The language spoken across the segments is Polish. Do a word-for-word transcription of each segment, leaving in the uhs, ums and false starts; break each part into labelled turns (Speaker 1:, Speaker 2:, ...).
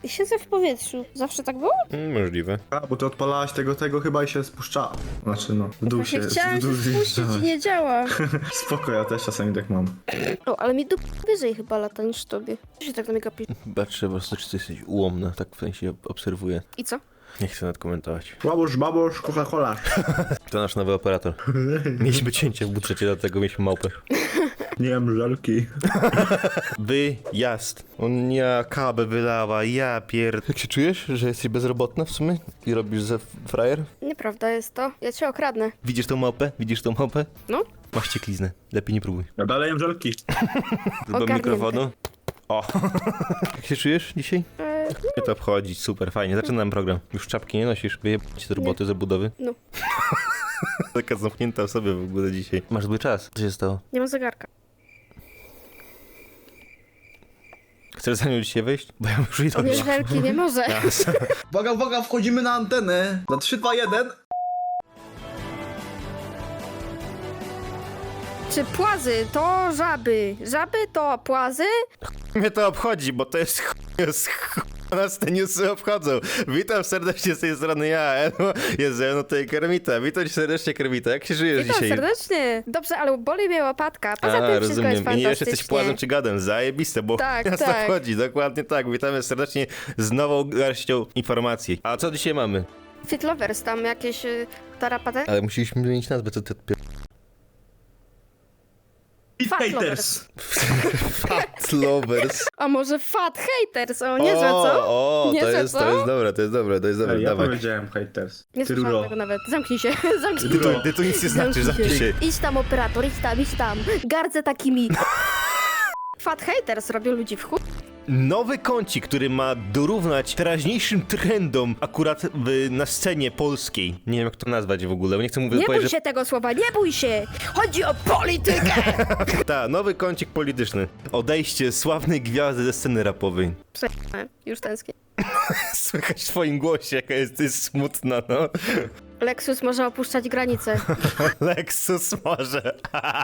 Speaker 1: I siedzę w powietrzu. Zawsze tak było?
Speaker 2: Mm, możliwe.
Speaker 3: A, bo ty odpalałaś tego, tego chyba i się spuszcza. Znaczy no, w dół
Speaker 1: Właśnie
Speaker 3: się...
Speaker 1: chciałam
Speaker 3: w dół
Speaker 1: się spuścić i
Speaker 3: zjeżdżałaś.
Speaker 1: nie działa.
Speaker 3: Spoko, ja też czasami tak mam.
Speaker 1: O, ale mi dup wyżej chyba lata niż tobie. Co się tak na mnie gapi?
Speaker 2: Patrzę po prostu, czy ty jesteś ułomna, tak w sensie obserwuję.
Speaker 1: I co?
Speaker 2: Nie chcę nadkomentować.
Speaker 3: Babosz, babosz, Coca-Cola.
Speaker 2: To nasz nowy operator. Mieliśmy cięcie w budżecie, dlatego mieliśmy małpę.
Speaker 3: Nie wiem, żelki.
Speaker 2: Wyjazd. On ja kabel wylała, ja pierd... Jak się czujesz, że jesteś bezrobotna w sumie? I robisz ze frajer?
Speaker 1: Nieprawda jest to. Ja cię okradnę.
Speaker 2: Widzisz tą małpę? Widzisz tą małpę?
Speaker 1: No.
Speaker 2: Masz ciekliznę. Lepiej nie próbuj.
Speaker 3: Ja dalej jem żelki.
Speaker 2: Do
Speaker 1: Ogarnięte.
Speaker 2: mikrofonu. O. Jak się czujesz dzisiaj?
Speaker 1: E,
Speaker 2: Nie to obchodzi, super, fajnie. Zaczynam program. Już czapki nie nosisz? Wyjebać te roboty z budowy?
Speaker 1: no.
Speaker 2: Taka zamknięta w sobie w ogóle dzisiaj. Masz zły czas. Co się stało?
Speaker 1: Nie mam zegarka.
Speaker 2: Chcesz za nią dzisiaj wejść? Bo ja już idę.
Speaker 1: Nie, żelki nie może.
Speaker 3: Uwaga, uwaga, wchodzimy na antenę. Na trzy, dwa, jeden.
Speaker 1: Czy płazy to żaby? Żaby to płazy?
Speaker 2: Mnie to obchodzi, bo to jest ch... jest ch... Nas te newsy obchodzą. Witam serdecznie z tej strony ja, Eno. Jest ze mną tutaj Kermita. Witam cię serdecznie, Kermita. Jak się żyjesz
Speaker 1: Witam
Speaker 2: dzisiaj?
Speaker 1: serdecznie. Dobrze, ale boli mnie łapatka. Poza
Speaker 2: A,
Speaker 1: tym wszystko
Speaker 2: rozumiem.
Speaker 1: jest
Speaker 2: I nie wiesz,
Speaker 1: fantastycznie.
Speaker 2: jesteś płazem czy gadem. Zajebiste, bo
Speaker 1: Tak,
Speaker 2: nas
Speaker 1: tak.
Speaker 2: to chodzi. Dokładnie tak. Witamy serdecznie z nową garścią informacji. A co dzisiaj mamy?
Speaker 1: Fit Lovers, tam jakieś y, tarapaty?
Speaker 2: Ale musieliśmy zmienić nazwę, co ty odpier...
Speaker 1: Fat
Speaker 3: Haters.
Speaker 2: Fat Lovers.
Speaker 1: A może Fat Haters? O, niezłe, co?
Speaker 2: O, o, to
Speaker 1: Niezłe,
Speaker 2: jest,
Speaker 1: co?
Speaker 2: to jest dobre, to jest dobre, to jest dobre.
Speaker 3: Ej, ja
Speaker 2: Dawaj.
Speaker 3: powiedziałem haters.
Speaker 1: Nie
Speaker 3: Ty
Speaker 1: słyszałam
Speaker 3: ruro.
Speaker 1: tego nawet. Zamknij się, zamknij
Speaker 2: Ty
Speaker 1: się.
Speaker 2: tu, ty tu nic nie znaczysz,
Speaker 1: Zamknij
Speaker 2: zamknij się.
Speaker 1: Idź tam, operator, idź tam, idź tam. Gardzę takimi. Fat Haters robią ludzi w chuj.
Speaker 2: Nowy kącik, który ma dorównać teraźniejszym trendom akurat w, na scenie polskiej. Nie wiem jak to nazwać w ogóle, bo nie chcę mówić
Speaker 1: Nie bój
Speaker 2: powiedzieć,
Speaker 1: się tego słowa, nie bój się! Chodzi o politykę!
Speaker 2: że... Ta, nowy kącik polityczny. Odejście sławnej gwiazdy ze sceny rapowej.
Speaker 1: Przejmę, już tęsknię.
Speaker 2: Słychać w twoim głosie, jaka jesteś smutna, no.
Speaker 1: Lexus może opuszczać granice.
Speaker 2: Lexus może.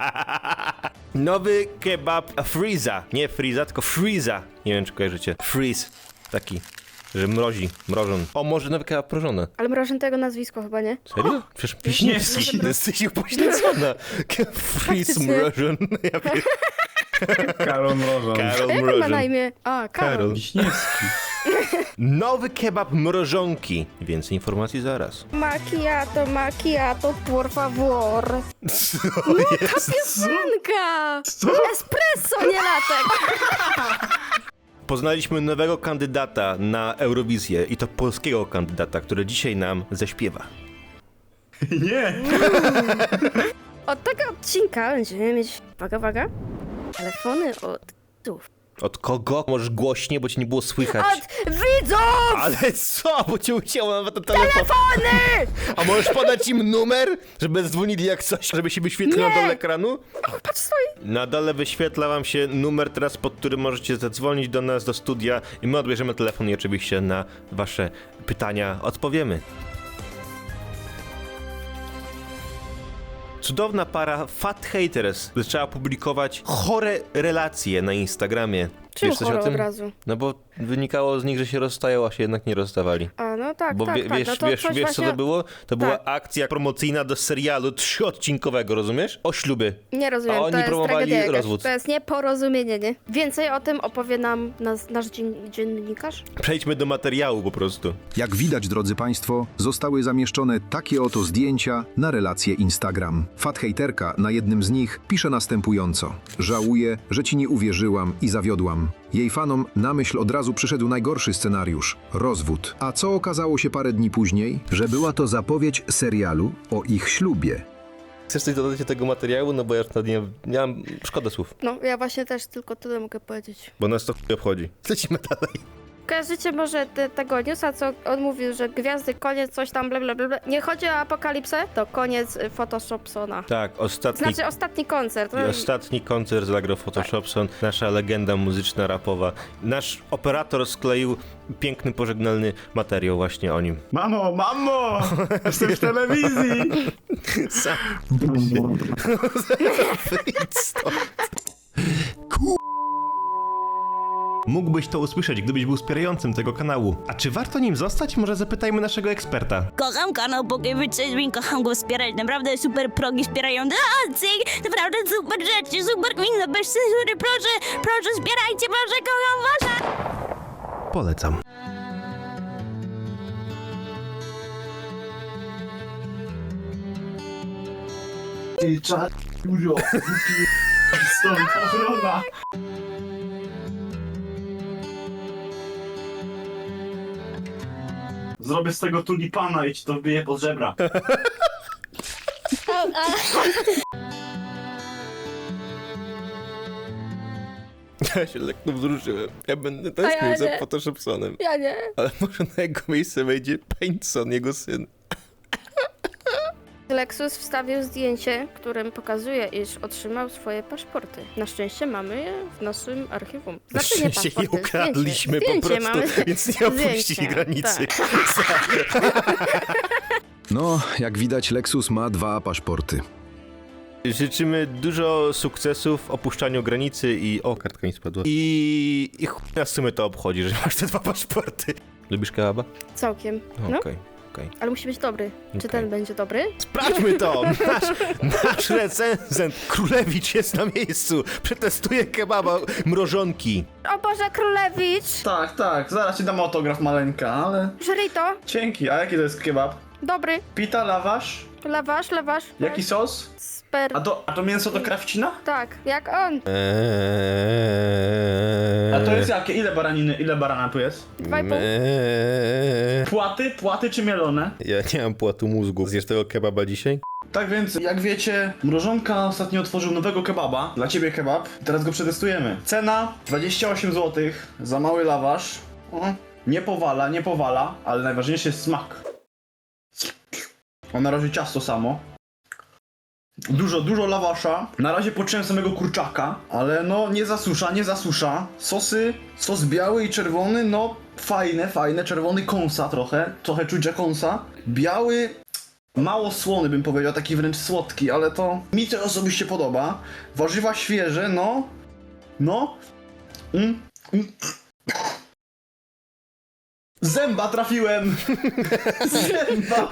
Speaker 2: Nowy kebab Freeza. Nie Freeza, tylko Freeza. Nie wiem, czy kojarzycie. Freeze. Taki, że mrozi, mrożon. O, może nowy kebab mrożony.
Speaker 1: Ale mrożę tego nazwisko chyba, nie?
Speaker 2: Serio? Przecież Wiśniewski. Jesteś upośledzona. Freeze
Speaker 1: Faktycznie.
Speaker 2: mrożon. Ja pier...
Speaker 3: Karol Mrożon.
Speaker 2: Karol
Speaker 1: Jak on ma na
Speaker 2: mrożon.
Speaker 1: imię? A, Karol.
Speaker 2: Karol.
Speaker 3: Wiśniewski.
Speaker 2: Nowy kebab mrożonki. Więcej informacji zaraz.
Speaker 1: Macchiato, macchiato, por favor.
Speaker 2: Co
Speaker 1: Ta piosenka!
Speaker 3: Co?
Speaker 1: Espresso, nie latek!
Speaker 2: Poznaliśmy nowego kandydata na Eurowizję i to polskiego kandydata, który dzisiaj nam zaśpiewa.
Speaker 3: Nie.
Speaker 1: Od tego odcinka będziemy mieć, uwaga, uwaga, telefony od widzów.
Speaker 2: Od kogo? Możesz głośniej, bo cię nie było słychać.
Speaker 1: Od widzów!
Speaker 2: Ale co? Bo cię ucięło nawet ten telefon.
Speaker 1: Telefony!
Speaker 2: A możesz podać im numer, żeby dzwonili jak coś, żeby się wyświetlił na
Speaker 1: Nie.
Speaker 2: dole ekranu?
Speaker 1: O, patrz, stoi.
Speaker 2: Na dole wyświetla wam się numer teraz, pod którym możecie zadzwonić do nas, do studia i my odbierzemy telefon i oczywiście na wasze pytania odpowiemy. Cudowna para Fat Haters zaczęła publikować chore relacje na Instagramie.
Speaker 1: Czemu
Speaker 2: Wiesz coś
Speaker 1: chore
Speaker 2: o tym?
Speaker 1: od razu?
Speaker 2: No bo wynikało z nich, że się rozstają, a się jednak nie rozstawali.
Speaker 1: A, no tak,
Speaker 2: Bo
Speaker 1: tak,
Speaker 2: wie,
Speaker 1: tak.
Speaker 2: wiesz,
Speaker 1: no to
Speaker 2: wiesz,
Speaker 1: coś
Speaker 2: wiesz
Speaker 1: właśnie...
Speaker 2: co to było? To była
Speaker 1: Tak.
Speaker 2: akcja promocyjna do serialu trzyodcinkowego, rozumiesz? O ślubie.
Speaker 1: Nie rozumiem,
Speaker 2: A oni
Speaker 1: to jest
Speaker 2: promowali
Speaker 1: tragedia jakaś.
Speaker 2: rozwód.
Speaker 1: To jest nieporozumienie, nie? Więcej o tym opowie nam nas, nasz dzien dziennikarz.
Speaker 2: Przejdźmy do materiału po prostu.
Speaker 4: Jak widać, drodzy Państwo, zostały zamieszczone takie oto zdjęcia na relacje Instagram. Fathejterka na jednym z nich pisze następująco. Żałuję, że Ci nie uwierzyłam i zawiodłam. Jej fanom na myśl od razu przyszedł najgorszy scenariusz – rozwód. A co okazało się parę dni później? Że była to zapowiedź serialu o ich ślubie.
Speaker 2: Chcesz coś dodać do tego materiału? No bo ja już nie, nie mam... Szkoda słów,
Speaker 1: No, ja właśnie też tylko tyle mogę powiedzieć.
Speaker 2: bo nas to chuj obchodzi. Lecimy dalej.
Speaker 1: Kojarzycie może te, tego newsa, co on mówił, że gwiazdy, koniec, coś tam, bla, bla, bla, bla. Nie chodzi o apokalipsę, to koniec y, Photoshopsona.
Speaker 2: Tak, ostatni...
Speaker 1: Znaczy ostatni koncert.
Speaker 2: I ostatni koncert zagrał Photoshopson, nasza legenda muzyczna, rapowa. Nasz operator skleił piękny, pożegnalny materiał właśnie o nim.
Speaker 3: Mamo, mamo! Jestem w telewizji!
Speaker 2: Sam Wyjdź stąd. Mógłbyś to usłyszeć, gdybyś był wspierającym tego kanału. A czy warto nim zostać? Może zapytajmy naszego eksperta.
Speaker 5: Kocham kanał Pokewyczyzmin, kocham go wspierać, naprawdę super progi wspierają a, cyk, naprawdę super rzeczy, super gmina, bez cenzury, proszę, proszę wspierajcie, proszę, kocham was!
Speaker 2: Polecam.
Speaker 3: Ty czad, dużo. Stąd ochrona. Zrobię z tego tulipana i ci to wbiję pod żebra.
Speaker 2: Ja się lekko wzruszyłem. Ja będę
Speaker 1: A ja
Speaker 2: tęsknił za
Speaker 1: nie.
Speaker 2: Photoshopsonem.
Speaker 1: Ja nie.
Speaker 2: Ale może na jego miejsce wejdzie Paintson, jego syn.
Speaker 1: Lexus wstawił zdjęcie, którym pokazuje, iż otrzymał swoje paszporty. Na szczęście mamy je w naszym archiwum. Znaczy nie
Speaker 2: się je
Speaker 1: paszporty,
Speaker 2: ukradliśmy
Speaker 1: zdjęcie.
Speaker 2: po
Speaker 1: Zdjęcie
Speaker 2: prostu,
Speaker 1: mamy.
Speaker 2: więc nie opuścili
Speaker 1: Zdjęcie,
Speaker 2: granicy.
Speaker 1: tak.
Speaker 4: No, jak widać, Lexus ma dwa paszporty.
Speaker 2: Życzymy dużo sukcesów w opuszczaniu granicy i... O, kartka mi spadła. I... I chuj nas w sumie to obchodzi, że masz te dwa paszporty. Lubisz kebaba?
Speaker 1: Całkiem.
Speaker 2: Okej,
Speaker 1: No,
Speaker 2: okej.
Speaker 1: ale musi być dobry. Czy
Speaker 2: Okej.
Speaker 1: ten będzie dobry?
Speaker 2: Sprawdźmy to! Nasz, nasz recenzent Królewicz jest na miejscu. Przetestuje kebaba mrożonki.
Speaker 1: O Boże, Królewicz!
Speaker 3: Tak, tak, zaraz ci dam autograf maleńka, ale...
Speaker 1: Żryj to.
Speaker 3: Dzięki, a jaki to jest kebab?
Speaker 1: Dobry.
Speaker 3: Pita, lawasz?
Speaker 1: Lawasz, lawasz.
Speaker 3: Jaki sos?
Speaker 1: Sper...
Speaker 3: A to, a to mięso to krawcina?
Speaker 1: Tak, jak on.
Speaker 2: Eee...
Speaker 3: A to jest jakie? Ile baraniny, ile barana tu jest?
Speaker 1: Dwa i pół.
Speaker 2: Eee...
Speaker 3: Płaty? Płaty czy mielone?
Speaker 2: Ja nie mam płatu mózgu. Zjesz tego kebaba dzisiaj?
Speaker 3: Tak więc, jak wiecie, Mrożonka ostatnio otworzył nowego kebaba. Dla ciebie kebab. Teraz go przetestujemy. Cena dwadzieścia osiem złotych za mały lawasz. O, nie powala, nie powala, ale najważniejszy jest smak. O, na razie ciasto samo. Dużo, dużo lawasza. Na razie poczułem samego kurczaka, ale no nie zasusza, nie zasusza. Sosy, sos biały i czerwony, no fajne, fajne. Czerwony kąsa trochę, trochę czuć, że kąsa. Biały, mało słony bym powiedział, taki wręcz słodki, ale to mi to osobiście podoba. Warzywa świeże, no, no. Mm, mm. Zęba trafiłem! Zęba!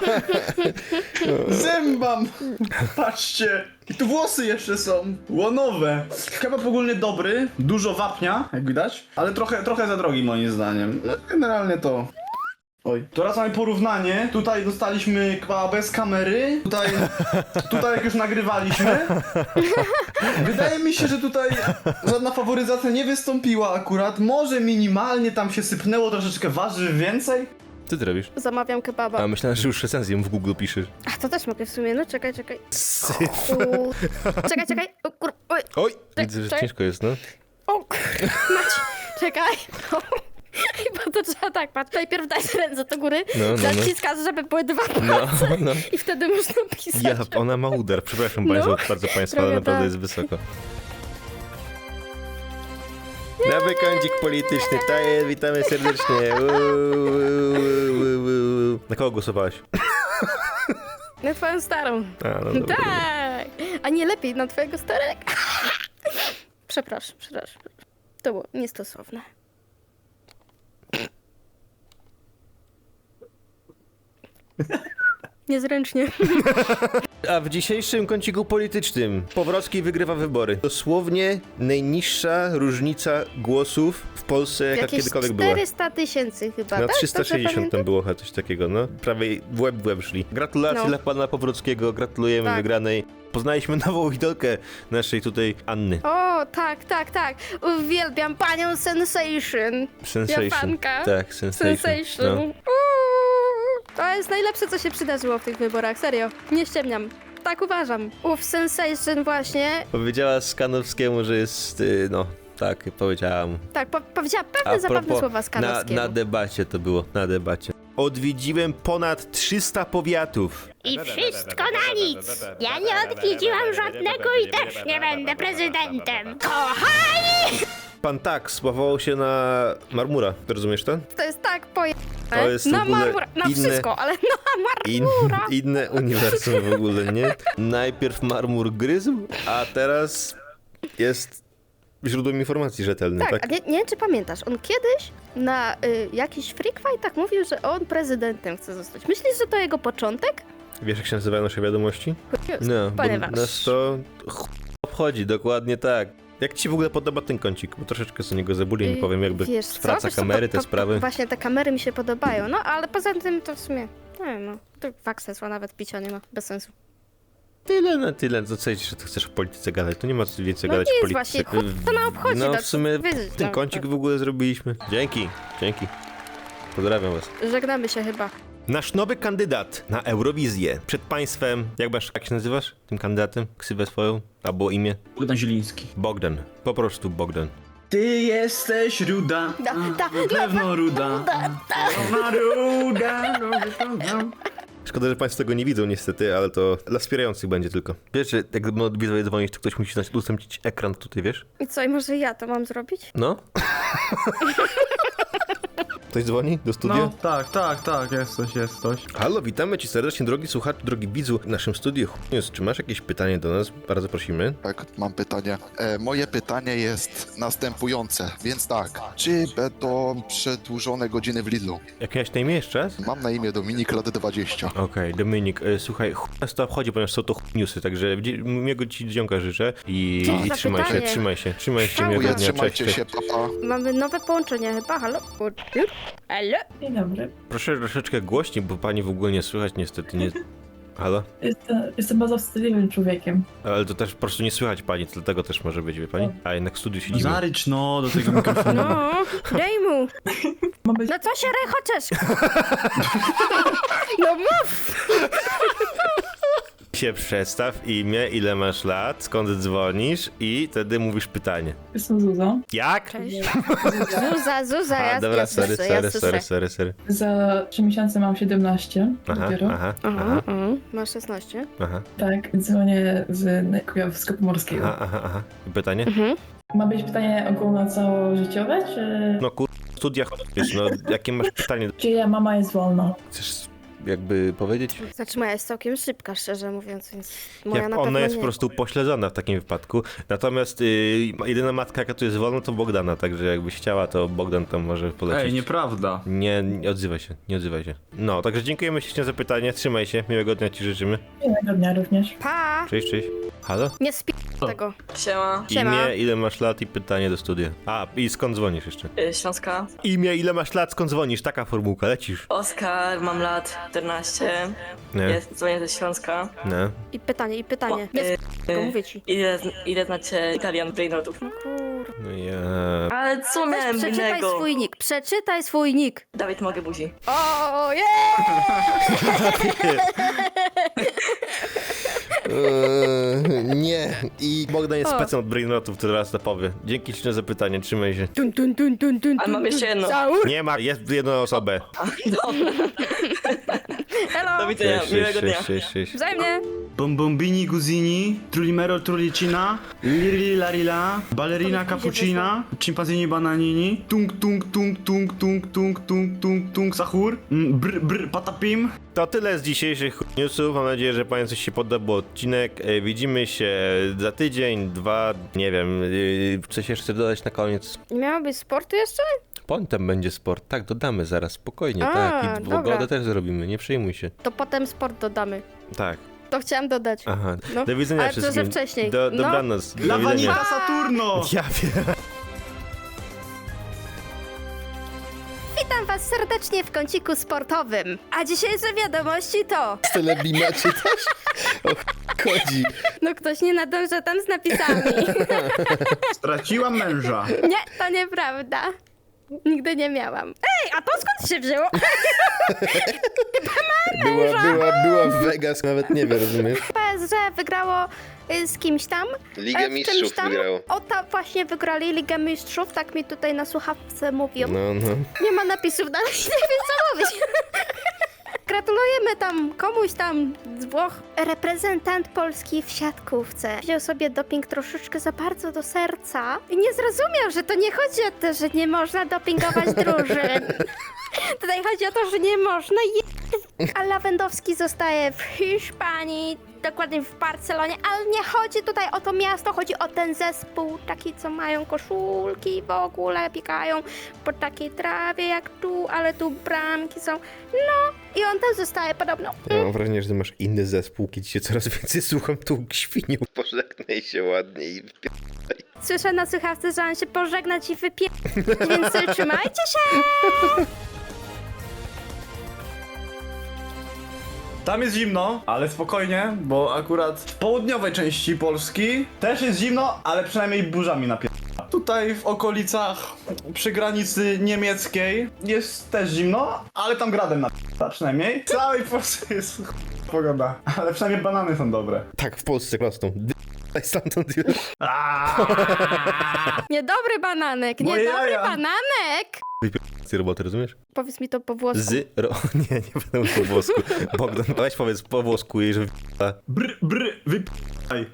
Speaker 3: Zębam! Patrzcie! I tu włosy jeszcze są! Łonowe! Kebab ogólnie dobry, dużo wapnia, jak widać, ale trochę, trochę za drogi moim zdaniem. No, generalnie to... Oj. Teraz mamy porównanie. Tutaj dostaliśmy kebaba bez kamery. Tutaj, tutaj jak już nagrywaliśmy. Wydaje mi się, że tutaj żadna faworyzacja nie wystąpiła akurat. Może minimalnie tam się sypnęło troszeczkę warzyw więcej.
Speaker 2: Co ty robisz?
Speaker 1: Zamawiam kebaba.
Speaker 2: A myślałem, że już recenzję w Google piszesz.
Speaker 1: A to też mogę w sumie, no czekaj, czekaj.
Speaker 2: Syf.
Speaker 1: U... Czekaj, czekaj. O kur... Oj.
Speaker 2: Oj,
Speaker 1: Czek-
Speaker 2: widzę, że
Speaker 1: czek-
Speaker 2: ciężko jest, no.
Speaker 1: O kur... Mać. Czekaj. Chyba to trzeba tak, patrz. Najpierw daj ręce do góry,
Speaker 2: No, no, no.
Speaker 1: naciskasz, żeby były dwa
Speaker 2: No,
Speaker 1: palce
Speaker 2: no.
Speaker 1: i wtedy można pisać.
Speaker 2: Ja, ona ma udar, przepraszam
Speaker 1: No,
Speaker 2: bardzo, bardzo państwa, ale
Speaker 1: trochę
Speaker 2: naprawdę
Speaker 1: tak.
Speaker 2: jest wysoko. Nowy kącik polityczny, to jest, witamy serdecznie. Uuu, uuu, uuu. Na kogo głosowałaś?
Speaker 1: Na twoją starą.
Speaker 2: A, no dobra.
Speaker 1: Tak. A nie lepiej na twojego starego? Przepraszam, przepraszam. To było niestosowne. Niezręcznie.
Speaker 2: A w dzisiejszym kąciku politycznym Powrocki wygrywa wybory. Dosłownie najniższa różnica głosów w Polsce, jaka
Speaker 1: Jakieś
Speaker 2: kiedykolwiek była.
Speaker 1: czterysta tysięcy chyba,
Speaker 2: Na
Speaker 1: tak?
Speaker 2: trzysta sześćdziesiąt
Speaker 1: Dobrze
Speaker 2: tam
Speaker 1: pamiętam?
Speaker 2: było chyba coś takiego, no. Prawie w łeb w łeb szli. Gratulacje
Speaker 1: No.
Speaker 2: dla pana Powrockiego, gratulujemy
Speaker 1: Tak.
Speaker 2: wygranej. Poznaliśmy nową idolkę naszej tutaj Anny.
Speaker 1: O, tak, tak, tak. Uwielbiam panią Sensation.
Speaker 2: Sensation.
Speaker 1: Japanka.
Speaker 2: Tak, Sensation.
Speaker 1: Sensation.
Speaker 2: No.
Speaker 1: Uuu, to jest najlepsze, co się przydarzyło w tych wyborach, serio. Nie ściemniam. Tak uważam. Uf, Sensation właśnie.
Speaker 2: Powiedziała Skanowskiemu, że jest, y, no, tak, powiedziałam.
Speaker 1: Tak, po powiedziała
Speaker 2: A
Speaker 1: pewne zabawne
Speaker 2: propos,
Speaker 1: słowa
Speaker 2: na,
Speaker 1: Skanowskiego.
Speaker 2: na debacie to było, na debacie. Odwiedziłem ponad trzysta powiatów.
Speaker 5: I wszystko na nic! Ja nie odwiedziłam żadnego i też nie będę prezydentem! Kochani!
Speaker 2: Pan tak sławował się na Marmura, rozumiesz to?
Speaker 1: To jest tak poje...
Speaker 2: To jest w
Speaker 1: na
Speaker 2: ogóle
Speaker 1: marmura, na
Speaker 2: inne-
Speaker 1: wszystko, ale na
Speaker 2: In,
Speaker 1: marmura.
Speaker 2: inne uniwersum w ogóle, nie? Najpierw Marmur gryzł, a teraz jest źródłem informacji rzetelnym,
Speaker 1: Tak,
Speaker 2: tak?
Speaker 1: a nie, nie wiem, czy pamiętasz, on kiedyś na y, jakiś freak fightach mówił, że on prezydentem chce zostać. Myślisz, że to jego początek?
Speaker 2: Wiesz, jak się nazywają nasze wiadomości?
Speaker 1: Jest,
Speaker 2: No,
Speaker 1: ponieważ...
Speaker 2: bo nas to ch... obchodzi, dokładnie tak. Jak ci w ogóle podoba ten kącik? Bo troszeczkę z niego zabuliłem,
Speaker 1: Y,
Speaker 2: powiem, jakby
Speaker 1: wiesz co?
Speaker 2: praca
Speaker 1: Wiesz co,
Speaker 2: kamery,
Speaker 1: po-
Speaker 2: te
Speaker 1: po-
Speaker 2: sprawy.
Speaker 1: Właśnie te kamery mi się podobają, no ale poza tym to w sumie, nie wiem, no, to fakt sensu, a nawet picia nie ma, bez sensu.
Speaker 2: Tyle na tyle, co co że ty chcesz o polityce gadać, to nie ma co więcej
Speaker 1: No
Speaker 2: gadać
Speaker 1: nie
Speaker 2: o
Speaker 1: jest
Speaker 2: polityce.
Speaker 1: właśnie, chuj to na obchodzi,
Speaker 2: No
Speaker 1: tak
Speaker 2: w sumie
Speaker 1: wiedzieć,
Speaker 2: ten
Speaker 1: no,
Speaker 2: kącik
Speaker 1: tak.
Speaker 2: w ogóle zrobiliśmy. Dzięki, dzięki. Pozdrawiam was.
Speaker 1: Żegnamy się chyba.
Speaker 2: Nasz nowy kandydat na Eurowizję. Przed państwem, jak masz, jak się nazywasz? Tym kandydatem? Ksywę swoją? Albo imię?
Speaker 3: Bogdan Zieliński.
Speaker 2: Bogdan. Po prostu Bogdan.
Speaker 3: Ty jesteś ruda.
Speaker 1: Da, da,
Speaker 3: Na pewno ruda. Na ruda. ruda.
Speaker 2: Szkoda, że państwo tego nie widzą niestety, ale to dla wspierających będzie tylko. Wiesz, że jak będą widzowie dzwonić, to ktoś musi udostępnić ekran tutaj, wiesz?
Speaker 1: I co, i może ja to mam zrobić?
Speaker 2: No? Ktoś dzwoni do studia?
Speaker 3: No, tak, tak, tak, jest coś, jest coś.
Speaker 2: Halo, witamy ci serdecznie, drogi słuchacz, drogi widzu w naszym studiu. News. Czy masz jakieś pytanie do nas? Bardzo prosimy.
Speaker 6: Tak, mam pytanie. E, moje pytanie jest następujące, więc tak. Czy będą przedłużone godziny w Lidlu?
Speaker 2: Jak miałeś na imię jeszcze raz?
Speaker 6: Mam na imię Dominik, lat dwadzieścia.
Speaker 2: Okej, Dominik, e, słuchaj, chuj nas to obchodzi, ponieważ są to chuj newsy, także dzie- miłego ci dzionka życzę i,
Speaker 1: Dzięki
Speaker 2: i
Speaker 1: za
Speaker 2: trzymaj się,
Speaker 1: pytanie.
Speaker 2: trzymaj się, trzymaj się, miłego
Speaker 6: Dziękuję,
Speaker 2: dnia, cześć,
Speaker 6: trzymajcie
Speaker 2: cześć.
Speaker 6: się, papa.
Speaker 1: Mamy nowe połączenie chyba, halo? Odbiór? Halo?
Speaker 7: Dzień dobry.
Speaker 2: Proszę troszeczkę głośniej, bo pani w ogóle nie słychać niestety, nie... Halo?
Speaker 7: Jestem, jestem bardzo wstydliwym człowiekiem.
Speaker 2: Ale to też po prostu nie słychać pani, to dlatego też może być, wie pani? A jednak w studiu
Speaker 3: No
Speaker 2: siedzimy.
Speaker 3: zarycz no do tego mikrofonu.
Speaker 1: No, daj mu.
Speaker 7: Ma być...
Speaker 1: No co się rechoczesz? No mów!
Speaker 2: Się przedstaw, imię, ile masz lat, skąd dzwonisz i wtedy mówisz pytanie.
Speaker 7: Jestem Zuzą.
Speaker 2: Jak?
Speaker 1: Cześć. Zuza, Zuza,
Speaker 2: A,
Speaker 1: ja,
Speaker 2: dobra,
Speaker 1: ja
Speaker 2: sorry,
Speaker 1: słyszę, ja
Speaker 2: sorry,
Speaker 1: słyszę.
Speaker 2: sorry, sorry, sorry.
Speaker 7: Za trzy miesiące mam siedemnaście
Speaker 2: Aha,
Speaker 7: dopiero.
Speaker 2: aha,
Speaker 1: Aha,
Speaker 2: aha,
Speaker 1: aha. Masz szesnaście.
Speaker 2: aha,
Speaker 7: Tak, dzwonię z Kujawsko-Pomorskiego.
Speaker 2: aha, aha, aha. I pytanie?
Speaker 1: Mhm.
Speaker 7: Ma być pytanie ogólnocałożyciowe, czy...
Speaker 2: No kur... studiach, wiesz, no jakie masz pytanie?
Speaker 7: Czyja mama jest wolna?
Speaker 2: Chcesz jakby powiedzieć?
Speaker 1: Znaczy moja jest całkiem szybka, szczerze mówiąc, więc moja
Speaker 2: Jak
Speaker 1: na
Speaker 2: ona
Speaker 1: pewno
Speaker 2: jest
Speaker 1: nie.
Speaker 2: po prostu pośledzona w takim wypadku. Natomiast y, jedyna matka, jaka tu jest wolna, to Bogdana, także jakbyś chciała, to Bogdan tam może polecieć.
Speaker 3: Ej, nieprawda.
Speaker 2: Nie, nie odzywaj się, nie odzywaj się. No, także dziękujemy ślicznie za pytanie, trzymaj się, miłego dnia ci życzymy.
Speaker 7: Miłego dnia również.
Speaker 1: Pa!
Speaker 2: Cześć, cześć. Halo?
Speaker 1: Nie spi tego.
Speaker 8: Siema,
Speaker 1: Siema.
Speaker 2: Imię, ile masz lat i pytanie do studia. A, i skąd dzwonisz jeszcze?
Speaker 8: y, Śląska.
Speaker 2: Imię, ile masz lat, skąd dzwonisz? Taka formułka, lecisz.
Speaker 8: Oskar, mam lat czternaście.
Speaker 2: Nie,
Speaker 8: Jest, dzwonię ze Śląska.
Speaker 2: nie.
Speaker 1: I pytanie, i pytanie.
Speaker 8: O,
Speaker 1: Nie
Speaker 8: y,
Speaker 1: spi tego, mówię ci.
Speaker 8: Ile, ile znacie Italian Brainrotów?
Speaker 1: No kur...
Speaker 2: No ja...
Speaker 8: Ale co
Speaker 1: Weź
Speaker 8: miałem
Speaker 1: przeczytaj
Speaker 8: innego?
Speaker 1: swój nick, przeczytaj swój nick.
Speaker 8: Dawid, mogę buzi.
Speaker 1: O, je!
Speaker 2: Eee, nie. I Bogdan jest
Speaker 1: O.
Speaker 2: specem od Brainrotów, który raz to powie. Dzięki ślicznie za pytanie, trzymaj się.
Speaker 1: Dun, dun, dun, dun, dun,
Speaker 8: Ale mam
Speaker 1: dun,
Speaker 8: jeszcze
Speaker 1: dun.
Speaker 8: jedno.
Speaker 1: Zaur.
Speaker 2: Nie ma, jest jedna osobę.
Speaker 8: Dobra,
Speaker 1: Hello!
Speaker 8: do widzenia,
Speaker 2: Cześć,
Speaker 8: miłego
Speaker 2: cześć,
Speaker 8: dnia.
Speaker 2: cześć, cześć.
Speaker 1: Wzajemnie!
Speaker 3: Bombombini Guzini, Trulimero Trulicina, Lirili Larila, Ballerina
Speaker 1: Powiedz mi, gdzie
Speaker 3: Cappuccina, Chimpanzini Bananini, Tung Tung Tung Tung Tung Tung Tung Tung Tung Sahur, mm, Brr Brr Patapim.
Speaker 2: To tyle z dzisiejszych newsów. Mam nadzieję, że Państwu się podobał odcinek. E, Widzimy się za tydzień, dwa, nie wiem. e, Coś jeszcze dodać na koniec?
Speaker 1: Nie miało być sportu jeszcze?
Speaker 2: Potem będzie sport. Tak, dodamy zaraz, spokojnie,
Speaker 1: A,
Speaker 2: tak. I
Speaker 1: dobra.
Speaker 2: pogodę też zrobimy, nie przejmuj się.
Speaker 1: To potem sport dodamy.
Speaker 2: Tak,
Speaker 1: To chciałam dodać.
Speaker 2: aha.
Speaker 1: No,
Speaker 2: Do widzenia
Speaker 1: ale to, że
Speaker 2: wszystkim.
Speaker 1: wcześniej.
Speaker 2: Do,
Speaker 1: No.
Speaker 2: dobranoc. Do
Speaker 3: La
Speaker 2: widzenia.
Speaker 3: Vanita Saturno!
Speaker 2: Ja wiem.
Speaker 1: Witam was serdecznie w kąciku sportowym. A dzisiejsze wiadomości to...
Speaker 2: Z telebima czytasz? O ch- chodzi.
Speaker 1: No ktoś nie nadąża tam z napisami.
Speaker 3: Straciłam męża.
Speaker 1: Nie, to nieprawda. Nigdy nie miałam. Ej, a to skąd się wzięło?
Speaker 2: Była, była, była w Vegas, nawet nie wiem, rozumiesz?
Speaker 1: P S G wygrało y, z kimś tam.
Speaker 2: Ligę
Speaker 1: e, w czymś
Speaker 2: Mistrzów
Speaker 1: tam.
Speaker 2: wygrało.
Speaker 1: O, tam właśnie wygrali Ligę Mistrzów, tak mi tutaj na słuchawce mówią.
Speaker 2: No, no.
Speaker 1: Nie ma napisów dalej, nie wiem co mówić. Gratulujemy tam komuś tam z Włoch. Reprezentant Polski w siatkówce wziął sobie doping troszeczkę za bardzo do serca i nie zrozumiał, że to nie chodzi o to, że nie można dopingować drużyn. Tutaj chodzi o to, że nie można je... A Lewandowski zostaje w Hiszpanii, dokładnie w Barcelonie, ale nie chodzi tutaj o to miasto, chodzi o ten zespół, taki co mają koszulki, w ogóle biegają po takiej trawie jak tu, ale tu bramki są. No i on tam zostaje podobno.
Speaker 2: Ja mam wrażenie, że ty masz inny zespół, kiedy cię coraz więcej słucham tu świniu. Pożegnaj się ładnie i
Speaker 1: Słyszę na słuchawce, że mam się pożegnać i wypie... Więc trzymajcie się!
Speaker 3: Tam jest zimno, ale spokojnie, bo akurat w południowej części Polski też jest zimno, ale przynajmniej burzami napier... Tutaj w okolicach przy granicy niemieckiej jest też zimno, ale tam gradem napier... przynajmniej. W całej Polsce jest ch- pogoda, ale przynajmniej banany są dobre.
Speaker 2: tak w Polsce rosną. Daj stamtąd już.
Speaker 1: Niedobry bananek,
Speaker 3: Moje
Speaker 1: niedobry
Speaker 3: jaja.
Speaker 1: bananek!
Speaker 2: Z roboty, rozumiesz?
Speaker 1: Powiedz mi to po włosku.
Speaker 2: Z... Ro... Nie, nie będę po włosku. Bogdan, weź powiedz po włosku jej, że wy***a.
Speaker 3: Br, br, wyp***aj.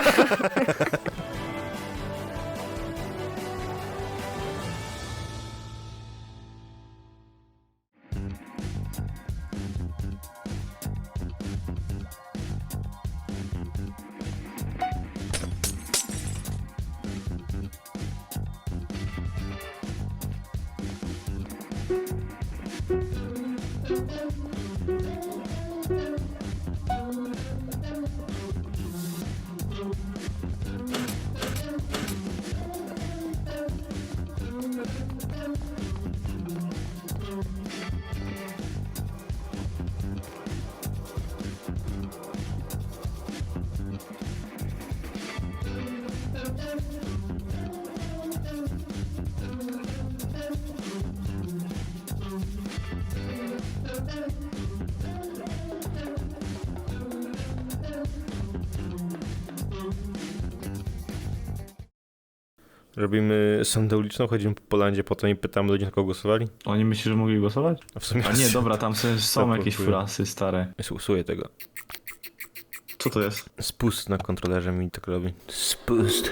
Speaker 2: Robimy sondę uliczną, chodzimy po Polandzie, potem i pytamy ludzi, na kogo głosowali.
Speaker 3: Oni myślą, że mogli głosować?
Speaker 2: A w sumie...
Speaker 3: A nie, dobra, tam są, są
Speaker 2: Tak,
Speaker 3: jakieś
Speaker 2: głosuję.
Speaker 3: furasy stare.
Speaker 2: Usuję tego.
Speaker 3: Co to jest?
Speaker 2: Spust na kontrolerze mi tak robi. Spust.